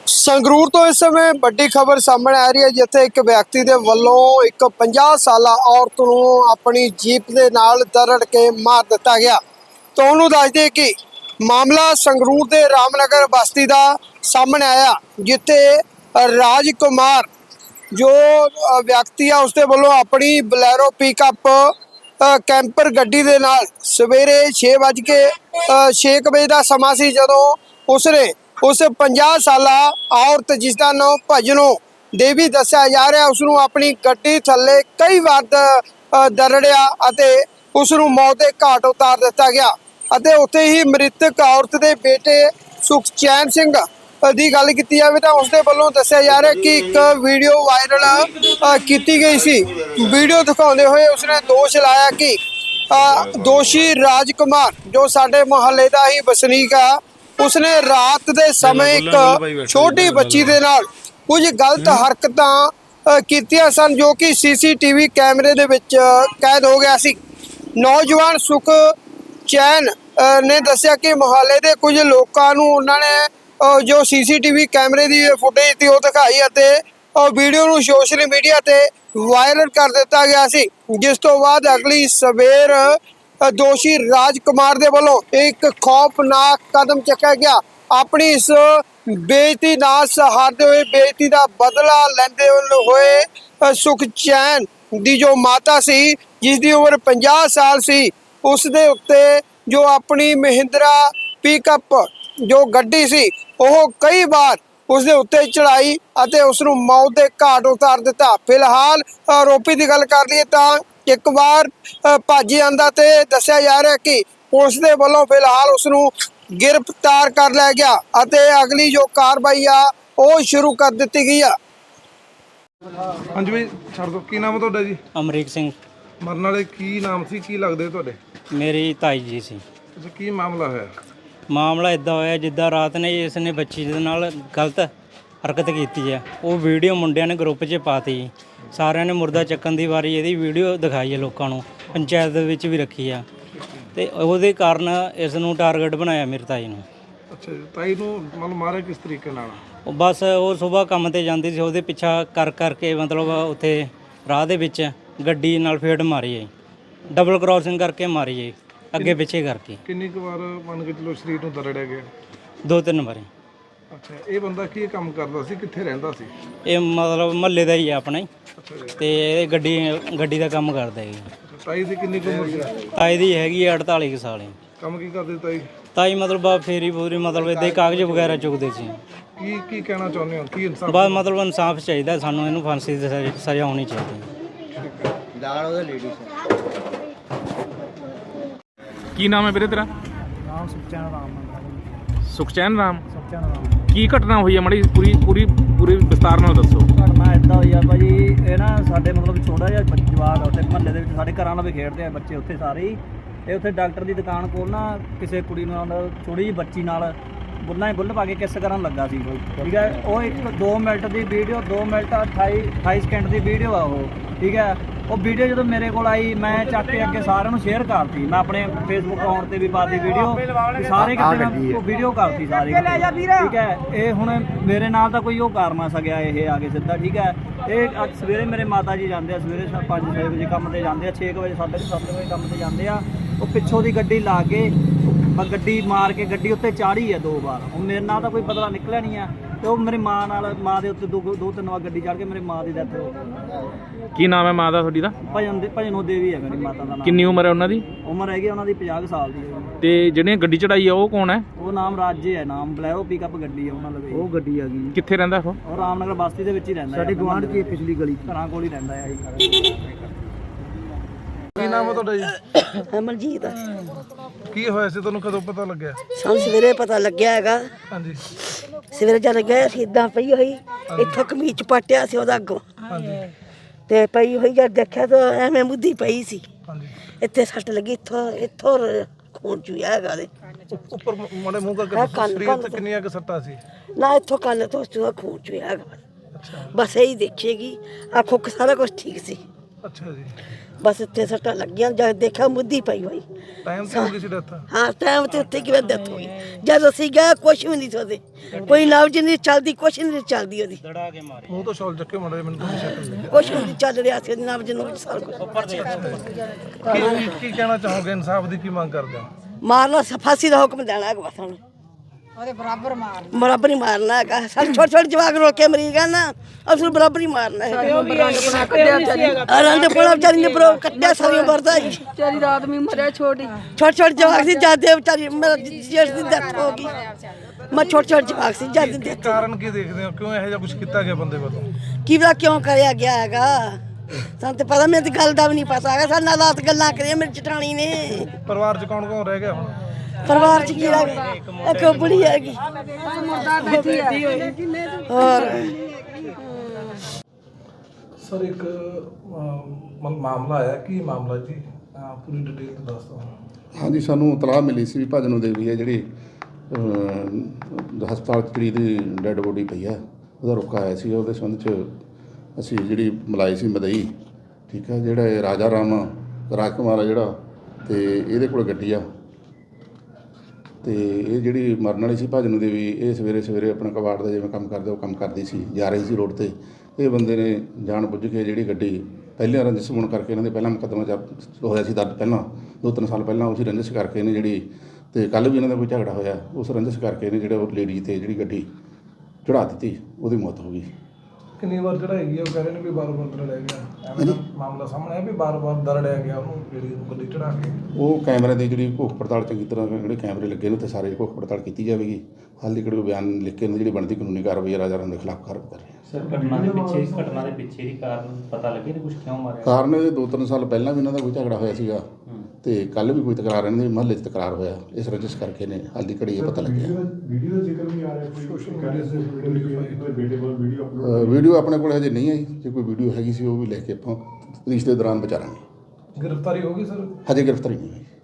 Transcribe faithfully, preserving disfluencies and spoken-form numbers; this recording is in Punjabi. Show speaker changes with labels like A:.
A: ਸੰਗਰੂਰ ਤੋਂ ਇਸ ਸਮੇਂ ਵੱਡੀ ਖਬਰ ਸਾਹਮਣੇ ਆ ਰਹੀ ਹੈ, ਜਿੱਥੇ ਇੱਕ ਵਿਅਕਤੀ ਦੇ ਵੱਲੋਂ ਇੱਕ ਪੰਜਾਹ ਸਾਲਾ ਔਰਤ ਨੂੰ ਆਪਣੀ ਜੀਪ ਦੇ ਨਾਲ ਦਰੜ ਕੇ ਮਾਰ ਦਿੱਤਾ ਗਿਆ। ਤੁਹਾਨੂੰ ਦੱਸ ਦਈਏ ਕਿ ਮਾਮਲਾ ਸੰਗਰੂਰ ਦੇ ਰਾਮਨਗਰ ਬਸਤੀ ਦਾ ਸਾਹਮਣੇ ਆਇਆ, ਜਿੱਥੇ ਰਾਜ ਕੁਮਾਰ ਜੋ ਵਿਅਕਤੀ ਆ ਉਸਦੇ ਵੱਲੋਂ ਆਪਣੀ ਬਲੈਰੋ ਪਿਕਅਪ ਕੈਂਪਰ ਗੱਡੀ ਦੇ ਨਾਲ ਸਵੇਰੇ ਛੇ ਵੱਜ ਕੇ ਛੇ ਵਜੇ ਦਾ ਸਮਾਂ ਸੀ, ਜਦੋਂ ਉਸਨੇ उस ਪੰਜਾਹ साला औरत जिसका नाम भजनो देवी दस्या जा रहा, उसनों अपनी गड्डी थल्ले कई बार दरड़िया अते उसनों मौत के घाट उतार दिता गया। अते उत्थे ही मृतक औरत के बेटे सुखचैन सिंह की गल की जाए तो उसके वालों दस्या जा रहा कि एक वीडियो वायरल की गई सी। वीडियो दिखाते हुए उसने दोष लाया कि दोषी राजकुमार जो साडे मुहल्ले का ही वसनीक आ, उसने रात के समय एक छोटी बच्ची दे नाल कुछ गलत हरकतां कीतियां सन, जो कि सीसीटीवी कैमरे दे विच कैद हो गया सी। नौजवान सुख चैन ने दस्सिया कि मुहल्ले दे कुछ लोकां नूं उन्हां ने जो सीसीटीवी कैमरे की फुटेज थी वो दिखाई अते वीडियो नूं सोशल मीडिया ते वायरल कर दिता गया सी, जिस तो बाद अगली सवेर दोषी राजकुमार दे वालों एक खौफनाक कदम चुकया गया। अपनी इस बेइज्जती ना सहारते हुए बेइज्जती का बदला लेंदे हुए सुखचैन दी जो माता सी, जिसकी उम्र पचास साल सी, उस दे उत्ते जो अपनी महिंद्रा पिकअप जो गड्डी सी वह कई बार उसके उत्ते चढ़ाई अते उसनूं मौत के घाट उतार दिता। फिलहाल आरोपी की गल कर लईए तां एक बार भज आंदा ते दस्सिया जा रहा कि पुलिस दे वल्लों फिलहाल उसनूं गिरफ्तार कर लिया गया अते अगली जो कार्रवाई आ वो शुरू कर दी गई आ।
B: हाँ जी भाई छड़ दो, की नाम है तुहाडा जी?
C: अमरीक सिंह।
B: मरन वाले की नाम सी, की लगदे तुहाडे?
C: मेरी ताई जी सी।
B: अच्छा, की मामला होया?
C: मामला इदा होया जिद्दां रात ने इसने बच्ची दे नाल गलत हरकत की है, वो वीडियो मुंडिया ने ग्रुप च पाती। सारिਆਂ ने मुर्दा ਚੱਕਣ ਦੀ ਵਾਰੀ ਇਹਦੀ ਵੀਡੀਓ ਦਿਖਾਈ ਹੈ ਲੋਕਾਂ ਨੂੰ, ਪੰਚਾਇਤ ਦੇ ਵਿੱਚ ਵੀ ਰੱਖੀ ਆ ਤੇ ਉਹਦੇ ਕਾਰਨ ਇਸ ਨੂੰ ਟਾਰਗੇਟ ਬਣਾਇਆ ਮੇਰੀ ਤਾਈ ਨੂੰ।
B: ਅੱਛਾ ਜੀ, ਤਾਈ ਨੂੰ ਮਤਲਬ ਮਾਰਿਆ ਕਿਸ ਤਰੀਕੇ ਨਾਲ?
C: ਉਹ ਬਸ ਉਹ ਸਵੇਰ ਕੰਮ ਤੇ ਜਾਂਦੀ ਸੀ, ਉਹਦੇ ਪਿੱਛਾ ਕਰ ਕਰਕੇ ਮਤਲਬ ਉੱਥੇ ਰਾਹ ਦੇ ਵਿੱਚ ਗੱਡੀ ਨਾਲ ਫੇਟ ਮਾਰੀ ਹੈ, ਡਬਲ ਕ੍ਰਾਸਿੰਗ ਕਰਕੇ ਮਾਰੀ ਹੈ, ਅੱਗੇ ਪਿੱਛੇ ਕਰਕੇ।
B: ਕਿੰਨੀ ਕੁ ਵਾਰ ਮੰਨ ਕੇ ਚਲੋ ਸਰੀਰ ਨੂੰ ਦਰੜਿਆ ਗਿਆ?
C: ਦੋ ਤਿੰਨ ਵਾਰੀ।
B: ਅੱਛਾ, ਇਹ ਬੰਦਾ ਕੀ ਕੰਮ ਕਰਦਾ ਸੀ, ਕਿੱਥੇ ਰਹਿੰਦਾ ਸੀ?
C: ਇਹ ਮਤਲਬ ਮਹੱਲੇ ਦਾ ਹੀ ਹੈ ਆਪਣਾ ਹੀ,
B: ਅੱਛਾ ਜੀ,
C: ਤੇ ਇਹ ਗੱਡੀ ਗੱਡੀ ਦਾ ਕੰਮ ਕਰਦਾ ਹੈ।
B: ਤਾਈ ਦੀ ਕਿੰਨੀ ਕੁ ਉਮਰ ਸੀ?
C: ਤਾਈ ਦੀ ਹੈਗੀ ਹੈ ਅੜਤਾਲੀ ਕੁ ਸਾਲ।
B: ਕੰਮ ਕੀ ਕਰਦੇ ਤਾਈ?
C: ਤਾਈ ਮਤਲਬ ਆ ਫੇਰੀ ਪੂਰੀ ਮਤਲਬ ਇੱਦਾਂ ਹੀ ਕਾਗਜ਼ ਵਗੈਰਾ ਚੁੱਕਦੇ ਸੀ।
B: ਕੀ ਕੀ ਕਹਿਣਾ ਚਾਹੁੰਦੇ ਹੋ, ਕੀ ਇਨਸਾਫ?
C: ਬਸ ਮਤਲਬ ਇਨਸਾਫ ਚਾਹੀਦਾ ਸਾਨੂੰ, ਇਹਨੂੰ ਫਾਂਸੀ ਦੀ ਸਜ਼ਾ- ਸਜ਼ਾ ਹੋਣੀ ਚਾਹੀਦੀ।
D: ਕੀ ਨਾਮ ਹੈ ਵੀਰੇ ਤੇਰਾ?
E: ਨਾਮ ਸੁਖਚੈਨ ਰਾਮ।
D: ਸੁਖਚੈਨ ਰਾਮ।
E: ਸੁਖਚੈਨ ਰਾਮ।
D: ਕੀ ਘਟਨਾ ਹੋਈ ਹੈ ਮਾੜੀ ਪੂਰੀ ਪੂਰੀ ਪੂਰੀ ਵਿਸਤਾਰ ਨਾਲ ਦੱਸੋ।
E: ਘਟਨਾ ਇੱਦਾਂ ਹੋਈ ਆ ਭਾਜੀ, ਇਹ ਨਾ ਸਾਡੇ ਮਤਲਬ ਛੋਟਾ ਜਿਹਾ ਜਵਾਕ ਉੱਥੇ ਮਹੱਲੇ ਦੇ ਵਿੱਚ ਸਾਡੇ ਘਰਾਂ ਨਾਲ ਵੀ ਖੇਡਦੇ ਆ ਬੱਚੇ ਉੱਥੇ ਸਾਰੇ ਹੀ। ਇਹ ਉੱਥੇ ਡਾਕਟਰ ਦੀ ਦੁਕਾਨ ਕੋਲ ਨਾ ਕਿਸੇ ਕੁੜੀ ਨਾਲ ਛੋਟੀ ਜਿਹੀ ਬੱਚੀ ਨਾਲ ਬੁੱਲਾਂ ਹੀ ਬੁੱਲ ਪਾ ਕੇ ਕਿਸ ਕਰਨ ਲੱਗਾ ਸੀ ਕੋਈ, ਠੀਕ ਹੈ। ਉਹ ਇੱਕ ਦੋ ਮਿੰਟ ਦੀ ਵੀਡੀਓ, ਦੋ ਮਿੰਟ ਅਠਾਈ ਅਠਾਈ ਸਕਿੰਟ ਦੀ ਵੀਡੀਓ ਆ ਉਹ, ਠੀਕ ਹੈ। ਉਹ ਵੀਡੀਓ ਜਦੋਂ ਮੇਰੇ ਕੋਲ ਆਈ ਮੈਂ ਚੱਕ ਕੇ ਅੱਗੇ ਸਾਰਿਆਂ ਨੂੰ ਸ਼ੇਅਰ ਕਰਤੀ, ਮੈਂ ਆਪਣੇ ਫੇਸਬੁੱਕ ਅਕਾਊਂਟ ਤੇ ਵੀ ਪਾਤੀ ਵੀਡੀਓ, ਸਾਰੇ ਕਿਤੇ ਮੈਂ ਵੀਡੀਓ ਕਰਤੀ ਸਾਰੇ ਕਿਤੇ, ਠੀਕ ਹੈ। ਇਹ ਹੁਣ ਮੇਰੇ ਨਾਲ ਤਾਂ ਕੋਈ ਉਹ ਕਰ ਨਾ ਸਕਿਆ ਇਹ ਆ ਕੇ ਸਿੱਧਾ, ਠੀਕ ਹੈ। ਇਹ ਅੱਜ ਸਵੇਰੇ ਮੇਰੇ ਮਾਤਾ ਜੀ ਜਾਂਦੇ ਆ, ਸਵੇਰੇ ਪੰਜ ਛੇ ਵਜੇ ਕੰਮ ਤੇ ਜਾਂਦੇ ਆ, ਛੇ ਕੁ ਵਜੇ ਸਾਢੇ ਸੱਤ ਵਜੇ ਕੰਮ ਤੇ ਜਾਂਦੇ ਆ। ਉਹ ਪਿੱਛੋਂ ਦੀ ਗੱਡੀ ਲਾ ਕੇ ਗੱਡੀ ਮਾਰ ਕੇ ਗੱਡੀ ਉੱਤੇ ਚਾੜੀ ਹੈ ਦੋ ਵਾਰ। ਹੁਣ ਮੇਰੇ ਨਾਲ ਤਾਂ ਕੋਈ ਬਦਲਾ ਨਿਕਲਿਆ ਨਹੀਂ ਆ, ਤੇ ਉਹ ਮੇਰੀ ਮਾਂ ਨਾਲ ਮਾਂ ਦੇ ਉੱਤੇ ਦੋ ਦੋ ਤਿੰਨ ਵਾਰ ਗੱਡੀ ਚੜ੍ਹ ਕੇ ਮੇਰੀ ਮਾਂ ਦੀ ਡੈਥ ਹੋ ਗਈ।
D: ਕੀ ਨਾਮ ਹੈ ਮਾਂ ਦਾ ਤੁਹਾਡੀ ਦਾ?
E: ਭਜਨ ਦੇ ਭਜਨੋ ਦੇਵੀ ਹੈ ਮੇਰੀ ਮਾਤਾ ਦਾ ਨਾਮ।
D: ਕਿੰਨੀ ਉਮਰ ਹੈ ਉਹਨਾਂ ਦੀ?
E: ਉਮਰ ਹੈਗੀ ਉਹਨਾਂ ਦੀ ਪੰਜਾਹ ਕੁ ਸਾਲ ਦੀ ਹੈ।
D: ਤੇ ਜਿਹੜੇ ਗੱਡੀ ਚੜਾਈ ਆ ਉਹ ਕੌਣ ਹੈ?
E: ਉਹ ਨਾਮ ਰਾਜੇ ਹੈ, ਨਾਮ ਬਲੈਰੋ ਪਿਕਅਪ ਗੱਡੀ ਹੈ ਉਹਨਾਂ ਲਵੇ। ਉਹ ਗੱਡੀ ਆ ਗਈ।
D: ਕਿੱਥੇ ਰਹਿੰਦਾ ਉਹ?
E: ਉਹ ਰਾਮਨਗਰ ਬਸਤੀ ਦੇ ਵਿੱਚ ਹੀ ਰਹਿੰਦਾ, ਸਾਡੇ ਗੁਆਂਢ ਦੀ ਪਿਛਲੀ ਗਲੀ ਘਰਾਂ ਕੋਲ ਹੀ ਰਹਿੰਦਾ ਹੈ ਜੀ।
B: ਕੀ ਨਾਮ ਹੈ ਤੁਹਾਡਾ ਜੀ?
F: ਅਮਰਜੀਤ।
B: ਕੀ ਹੋਇਆ ਸੀ, ਤੁਹਾਨੂੰ ਕਦੋਂ ਪਤਾ ਲੱਗਿਆ?
F: ਸਾਨੂੰ ਸਵੇਰੇ ਪਤਾ ਲੱਗਿਆ ਹੈਗਾ।
B: ਹਾਂਜੀ
F: ਸਵੇਰੇ ਜਦ ਗਏ ਅਸੀਂ ਇਦਾਂ ਪਈ ਹੋਈ, ਇੱਥੋਂ ਕਮੀਜ਼ ਪਟਿਆ ਸੀ ਉਹਦਾ ਅੱਗੋਂ, ਤੇ ਪਈ ਹੋਈ ਜਦ ਦੇਖਿਆ ਤਾਂ ਐਵੇਂ ਮੁੱਦੀ ਪਈ ਸੀ,
B: ਹਾਂਜੀ।
F: ਇੱਥੇ ਸੱਟ ਲੱਗੀ, ਇੱਥੋਂ ਇੱਥੋਂ ਖੂਨ ਚੂਇਆ ਹੈਗਾ ਦੇ
B: ਉੱਪਰ ਮਾੜੇ ਮੂੰਹ ਕਰਕੇ ਸਰੀਰ ਤੇ ਕਿੰਨੀਆਂ ਕੁ ਸੱਟਾਂ ਸੀ?
F: ਨਾ ਇੱਥੋਂ ਕੰਨ ਤੋਂ ਉਸ ਤੋਂ ਖੂਨ ਚੂਇਆ ਹੈਗਾ। ਬਸ ਇਹੀ ਦੇਖੇਗੀ, ਆਖੋ ਕਿ ਸਾਰਾ ਕੁਝ ਠੀਕ ਸੀ।
B: ਅੱਛਾ ਜੀ।
F: ਬਸ ਇੱਥੇ ਸੱਟਾਂ ਲੱਗੀਆਂ, ਜਦ ਦੇਖਿਆ ਮੁੱਦੀ ਪਈ ਹੋਈ।
B: ਟਾਈਮ ਤੇ ਹੋ ਗਈ ਸੀ ਡੈਥ?
F: ਹਾਂ ਟਾਈਮ ਤੇ ਉੱਥੇ ਕਿਵੇਂ ਡੈਥ ਹੋਈ। ਜਦ ਅਸੀਂ ਗਏ ਕੁਛ ਵੀ ਨਹੀਂ ਸੋਦੇ, ਕੋਈ ਨਬਜ਼ ਨਹੀਂ ਚੱਲਦੀ, ਕੁਛ ਨਹੀਂ ਚੱਲਦੀ ਉਹਦੀ।
C: ਦੜਾ ਕੇ ਮਾਰੇ
B: ਮੂੰਹ ਤੋਂ ਸ਼ਾਲ ਚੱਕੇ ਮੁੰਡੇ ਮੈਨੂੰ ਤਾਂ ਸ਼ੱਕ ਲੱਗਿਆ।
F: ਕੁਛ ਵੀ ਨਹੀਂ ਚੱਲ ਰਿਹਾ ਸੀ, ਨਬਜ਼ ਨੂੰ ਸਾਰਾ ਕੁਛ।
B: ਕੀ ਕੀ ਕਹਿਣਾ ਚਾਹੋਗੇ, ਇਨਸਾਫ ਦੀ ਕੀ ਮੰਗ ਕਰਦੇ ਹੋ?
F: ਮਾਰਨਾ ਫਾਂਸੀ ਦਾ ਹੁਕਮ ਦੇਣਾ ਹੈਗਾ ਬਸ ਹੁਣ, ਉਹਦੇ ਬਰਾਬਰ ਮਾਰਨਾ, ਬਰਾਬਰ ਹੀ ਮਾਰਨਾ ਹੈਗਾ। ਸਾਡੇ ਛੋਟੇ ਛੋਟੇ ਜਵਾਕ ਰੋਲ ਕੇ ਮਰੀ ਗਏ ਨਾ, ਅਸਲ ਬਰਾਬਰ ਹੀ ਮਾਰਨਾ ਹੈ। ਰੰਗ ਪੁਣਾ ਵਿਚਾਰੀ ਨੇ ਬਰੋ ਕੱਟਿਆ ਸਾਰੀ ਉਮਰ ਦਾ ਹੀ।
G: ਵਿਚਾਰੀ ਦਾ ਆਦਮੀ ਮਰਿਆ ਛੋਟੀ,
F: ਛੋਟੇ ਛੋਟੇ ਜਵਾਕ ਸੀ ਜਾਂਦੇ ਵਿਚਾਰੀ, ਮੇਰਾ ਜੇਠ ਦੀ ਡੈਥ ਹੋ ਗਈ। ਮੈਂ ਛੋਟੇ ਛੋਟੇ ਜਵਾਕ ਸੀ ਜਾਂਦੇ ਡੈਥ।
B: ਕਾਰਨ ਕੀ ਦੇਖਦੇ ਹੋ, ਕਿਉਂ ਇਹੋ ਜਿਹਾ ਕੁਝ ਕੀਤਾ ਗਿਆ ਬੰਦੇ ਵੱਲੋਂ?
F: ਕੀ ਪਤਾ ਕਿਉਂ ਕਰਿਆ ਗਿਆ ਹੈਗਾ, ਸਾਨੂੰ ਤੇ ਪਤਾ, ਮੈਨੂੰ ਤੇ ਗੱਲ ਦਾ ਵੀ ਨਹੀਂ ਪਤਾ ਹੈਗਾ। ਸਾਡੇ ਨਾਲ ਰਾਤ ਗੱਲਾਂ ਕਰੀਆਂ ਮੇਰੀ ਚਟਾਣੀ ਨੇ।
B: ਪਰਿਵਾਰ 'ਚ ਕੌਣ ਕੌਣ ਰਹਿ ਗਿਆ ਹੁਣ?
F: ਪਰਿਵਾਰ ਚ ਕੀ ਰਹਿ ਗਿਆ, ਇੱਕ ਬੁੜੀ ਹੈਗੀ ਹੋਰ।
B: ਸਰ ਇੱਕ ਮਾਮਲਾ ਆਇਆ, ਕੀ ਮਾਮਲਾ ਜੀ? ਪੂਰੀ ਡਿਟੇਲ ਤੋਂ ਦੱਸ ਦਿਓ।
H: ਹਾਂਜੀ, ਸਾਨੂੰ ਇਤਲਾਹ ਮਿਲੀ ਸੀ ਵੀ ਭਜਨੋਂ ਦੇਵੀ ਹੈ ਜਿਹੜੀ ਅਹ, ਹਸਪਤਾਲ 'ਚ ਜਿਹੜੀ ਦੀ ਡੈੱਡ ਬੋਡੀ ਪਈ ਆ, ਉਹਦਾ ਰੁਕਾ ਆਇਆ ਸੀ। ਉਹਦੇ ਸੰਬੰਧ 'ਚ ਅਸੀਂ ਜਿਹੜੀ ਮਲਾਈ ਸੀ ਮਦਈ, ਠੀਕ ਹੈ, ਜਿਹੜਾ ਇਹ ਰਾਜਾ ਰਾਮ ਰਾਜਕੁਮਾਰ ਆ ਜਿਹੜਾ, ਤੇ ਇਹਦੇ ਕੋਲ ਗੱਡੀ ਆ, ਤੇ ਇਹ ਜਿਹੜੀ ਮਰਨ ਵਾਲੀ ਸੀ ਭਜਨੋਂ ਦੇਵੀ, ਇਹ ਸਵੇਰੇ ਸਵੇਰੇ ਆਪਣਾ ਕਬਾੜ ਦਾ ਜਿਵੇਂ ਕੰਮ ਕਰਦੇ ਉਹ ਕੰਮ ਕਰਦੀ ਸੀ, ਜਾ ਰਹੀ ਸੀ ਰੋਡ 'ਤੇ। ਇਹ ਬੰਦੇ ਨੇ ਜਾਣ ਬੁੱਝ ਕੇ ਜਿਹੜੀ ਗੱਡੀ, ਪਹਿਲਾਂ ਰੰਜਿਸ਼ ਹੋਣ ਕਰਕੇ ਇਹਨਾਂ ਦੇ ਪਹਿਲਾਂ ਮੁਕੱਦਮਾ ਚ ਹੋਇਆ ਸੀ ਦਰਜ, ਪਹਿਲਾਂ ਦੋ ਤਿੰਨ ਸਾਲ ਪਹਿਲਾਂ ਉਸੇ ਰੰਜਿਸ਼ ਕਰਕੇ ਇਹਨੇ ਜਿਹੜੀ, ਤੇ ਕੱਲ੍ਹ ਵੀ ਇਹਨਾਂ ਦਾ ਕੋਈ ਝਗੜਾ ਹੋਇਆ, ਉਸ ਰੰਜਿਸ਼ ਕਰਕੇ ਇਹਨੇ ਜਿਹੜਾ ਉਹ ਲੇਡੀ 'ਤੇ ਜਿਹੜੀ ਗੱਡੀ ਚੜ੍ਹਾ ਦਿੱਤੀ, ਉਹਦੀ ਮੌਤ ਹੋ ਗਈ।
B: ਕਿੰਨੀ ਵਾਰ ਚੜਾਈ? ਉਹ ਕਹਿ ਰਹੇ ਨੇ ਵੀ ਬਾਰ-ਬਾਰ ਦਰੜਿਆ ਗਿਆ, ਐਵੇਂ ਦਾ ਮਾਮਲਾ ਸਾਹਮਣੇ ਆਇਆ ਵੀ ਬਾਰ-ਬਾਰ ਦਰੜਿਆ ਗਿਆ ਉਹਨੂੰ, ਜਿਹੜੀ ਗੱਡੀ ਚੜਾ ਕੇ।
H: ਉਹ ਕੈਮਰੇ ਦੀ ਜਿਹੜੀ ਘੋਖ ਪੜਤਾਲ ਚੰਗੀ ਤਰ੍ਹਾਂ, ਜਿਹੜੇ ਕੈਮਰੇ ਲੱਗੇ ਨੇ ਉੱਥੇ ਸਾਰੇ ਘੋਖ ਪੜਤਾਲ ਕੀਤੀ ਜਾਵੇਗੀ। ਹਾਲੇ ਕਿਹੜੇ ਬਿਆਨ ਲਿਖ ਕੇ ਜਿਹੜੀ ਬਣਦੀ ਕਾਨੂੰਨੀ ਕਾਰਵਾਈ ਰਾਜਾ ਰਾਮ ਦੇ ਖਿਲਾਫ ਕਾਰਵਾਈ ਕਰ ਰਹੇ ਹਾਂ।
I: ਸਰ ਘਟਨਾ ਦੇ ਪਿੱਛੇ ਘਟਨਾ ਦੇ ਪਿੱਛੇ ਦੀ ਕਾਰਨ ਪਤਾ ਲੱਗੇ ਨੇ ਕੁਝ, ਕਿਉਂ ਮਾਰਿਆ?
H: ਕਾਰਨ ਇਹ ਦੋ ਤਿੰਨ ਸਾਲ ਪਹਿਲਾਂ ਵੀ ਇਹਨਾਂ ਦਾ ਕੋਈ ਝਗੜਾ ਹੋਇਆ ਸੀਗਾ, ਤੇ ਕੱਲ੍ਹ ਵੀ ਕੋਈ ਤਕਰਾਰ, ਇਹਨਾਂ ਦੇ ਮਹੱਲੇ 'ਚ ਤਕਰਾਰ ਹੋਇਆ, ਇਸ ਰੰਜਿਸ਼ ਕਰਕੇ ਨੇ ਹਾਲ ਦੀ ਘੜੀ ਇਹ ਪਤਾ ਲੱਗਿਆ।
J: ਵੀਡੀਓ ਦਾ ਜ਼ਿਕਰ ਵੀ ਆ ਰਿਹਾ, ਕੋਈ ਸੋਸ਼ਲ ਮੀਡੀਆ ਤੇ ਬੇਟੇ ਕੋਲ ਵੀਡੀਓ
H: ਅ, ਵੀਡੀਓ ਆਪਣੇ ਕੋਲ ਹਜੇ ਨਹੀਂ ਆਈ, ਜੇ ਕੋਈ ਵੀਡੀਓ ਹੈਗੀ ਸੀ ਉਹ ਵੀ ਲੈ ਕੇ ਆਪਾਂ ਪੁਲਿਸ ਦੇ ਦੌਰਾਨ ਵਿਚਾਰਾਂਗੇ।
B: ਗ੍ਰਿਫਤਾਰੀ ਹੋ ਗਈ ਸਰ?
H: ਹਜੇ ਗ੍ਰਿਫਤਾਰੀ ਨਹੀਂ ਹੋਈ।